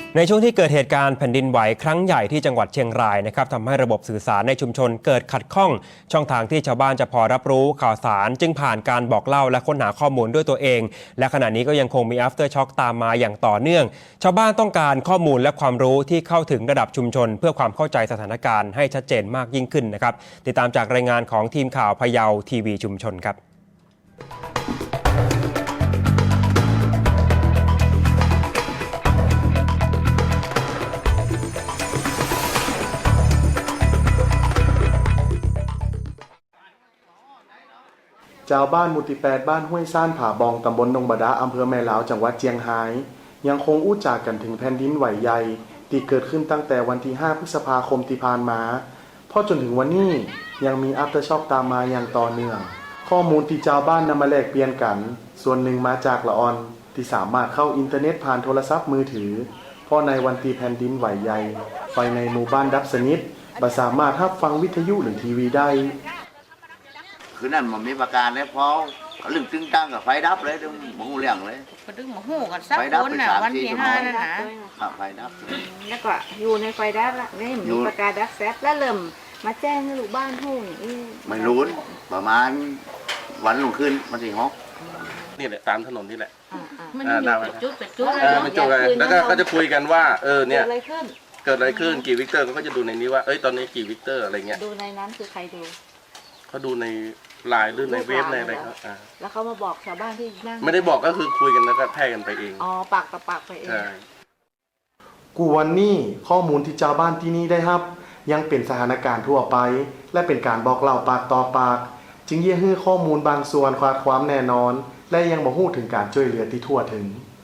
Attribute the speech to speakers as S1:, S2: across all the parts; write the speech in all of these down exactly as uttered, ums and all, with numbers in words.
S1: ในช่วงที่เกิดเหตุการณ์แผ่นดินไหวครั้งใหญ่ที่จังหวัดเชียงรายนะครับทำให้ระบบสื่อสารในชุมชนเกิดขัดข้องช่องทางที่ชาวบ้านจะพอรับรู้ข่าวสารจึงผ่านการบอกเล่าและค้นหาข้อมูลด้วยตัวเองและขณะนี้ก็ยังคงมี after shock ตามมาอย่างต่อเนื่องชาวบ้านต้องการข้อมูลและความรู้ที่เข้าถึงระดับชุมชนเพื่อความเข้าใจสถานการณ์ให้ชัดเจนมากยิ่งขึ้นนะครับติดตามจากรายงานของทีมข่าวพะเยาทีวีชุมชนครับ
S2: ชาวบ้านหมู่ที่แปดบ้านห้วยซ่านผาบองตำบลนงบดาอำเภอแม่ลาวจังหวัดเชียงรายยังคงอู้จากันถึงแผ่นดินไหวใหญ่ที่เกิดขึ้นตั้งแต่วันที่ห้าพฤษภาคมที่ผ่านมาพอจนถึงวันนี้ยังมีอัฟเตอร์ช็อคตามมาอย่างต่อเนื่องข้อมูลที่ชาวบ้านนำมาแลกเปลี่ยนกันส่วนหนึ่งมาจากละออนที่สามารถเข้าอินเทอร์เน็ตผ่านโทรศัพท์มือถือเพราะในวันที่แผ่นดินไหวใหญ่ไฟในหมู่บ้านดับสนิทบ่สามารถรับฟังวิทยุหรือทีวีได้
S3: คือนั่นมันมีประการเลยเพราะลึงตึงตั้งกับไฟดับเลยดึงมองเรื่องเลย
S4: ก็ดึงมาหูกันสักคนน่ะวันที่ห้านั่นนะ
S3: ไฟดับ
S4: แล้วก็อยู่ในไฟดับละนี่มีประกาศดับแซดแล้วเริ่มมาแจ้งให้ลูกบ้านหูนี่
S3: ไม่รู้ประมาณวันลงขึ้นมันสี่ฮอก
S5: นี่แหละตามถนนนี่แหละ
S4: มันเป็นจุดเป็นจุด
S5: มันจุดเลยแล้วก็ก็จะคุยกันว่าเออเนี่ยเกิดอะไรขึ้นกี่วิกเตอร์ก็จะดูในนี้ว่าเอ้ยตอนนี้กี่วิกเตอร์อะไรเงี้ย
S4: ดูในนั้นคือใครดู
S5: เขาดูในไลน์หรือในเว็บในอะไรครับ
S4: แล้วเขามาบอกชาวบ้านที่นั่ง
S5: ไม่ได้บอกก็คือคุยกันแล้วก็แพร่กันไปเอง
S4: อ๋อปากต่อปากไปเอง
S2: กูวันนี้ข้อมูลที่ชาวบ้านที่นี่ได้รับยังเป็นสถานการณ์ทั่วไปและเป็นการบอกเล่าปากต่อปากจึงเยี่ยให้ข้อมูลบางส่วนขาดความแน่นอนและยังบ่ฮู้ถึงการช่วยเหลือที่ทั่วถึง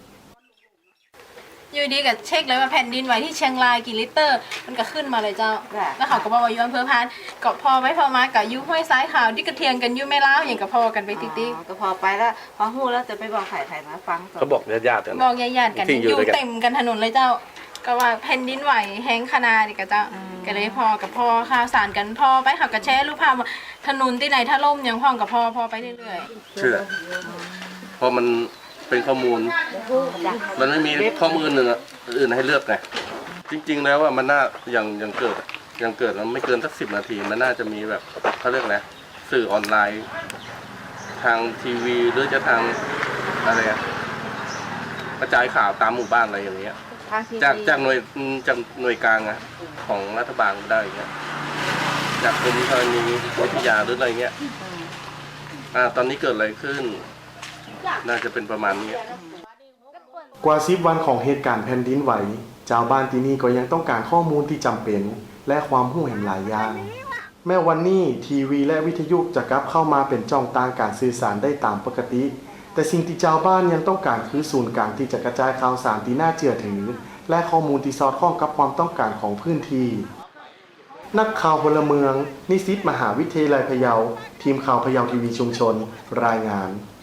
S6: อยู่ดีกับเช็คเลยว่าแผ่นดินไหวที่เชียงรายกี่ลิตรมันก็ขึ้นมาเลยเจ้าแล้วเขาก็บอกว่าอยู่อำเภอพานก็พอไว้พอมากับยุ้ห้วยซ้ายขาวที่กระเทียงกันยุ่ไม่เล่าอย่างกับพอกันไปติ๊กติ๊ก
S4: ก็พอไปแล้วพอหู้แล้วจะไปบอกถ่ายถ่ายมาฟัง
S5: เขาบอกญาติ
S6: ๆบอกญาติๆกันอยู่เต็มกันถนนเลยเจ้าก็ว่าแผ่นดินไหวแห้งขนาดนี้กับเจ้าก็เลยพอกับพอข่าวสารกันพอไปเขาก็แชร์รูปภาพถนนที่ไหนถ้าล่มยังพ่องกับพอพอไปเรื่อย
S5: ๆเชื่อพอมันเป็นข้อมูลมันไม่มีข้อมูลอื่นอื่นให้เลือกไงจริงๆแล้วว่ามันน่าอย่างอย่างเกิดอย่างเกิดมันไม่เกินสักสิบนาทีมันน่าจะมีแบบเขาเรียกอะไรสื่อออนไลน์ทางทีวีหรือจะทางอะไรกระจายข่าวตามหมู่บ้านอะไรอย่างเงี้ยจากจากหน่วยจากหน่วยกลางอะของรัฐบาลได้อย่างเงี้ยจากกรมธรณีวิทยาหรืออะไรเงี้ยอ่าตอนนี้เกิดอะไรขึ้นน่าจะเป็นประมาณนี้
S2: กว่าสิบวันของเหตุการณ์แผ่นดินไหวชาวบ้านที่นี่ก็ยังต้องการข้อมูลที่จำเป็นและความรู้แห่งหลายอย่างแม้วันนี้ทีวีและวิทยุจะกลับเข้ามาเป็นช่องทางการสื่อสารได้ตามปกติแต่สิ่งที่ชาวบ้านยังต้องการคือศูนย์กลางที่จะกระจายข่าวสารที่น่าเชื่อถือและข้อมูลที่สอดคล้องกับความต้องการของพื้นที่นักข่าวพลเมืองนิสิตมหาวิทยาลัยพะเยาทีมข่าวพะเยาทีวีชุมชนรายงาน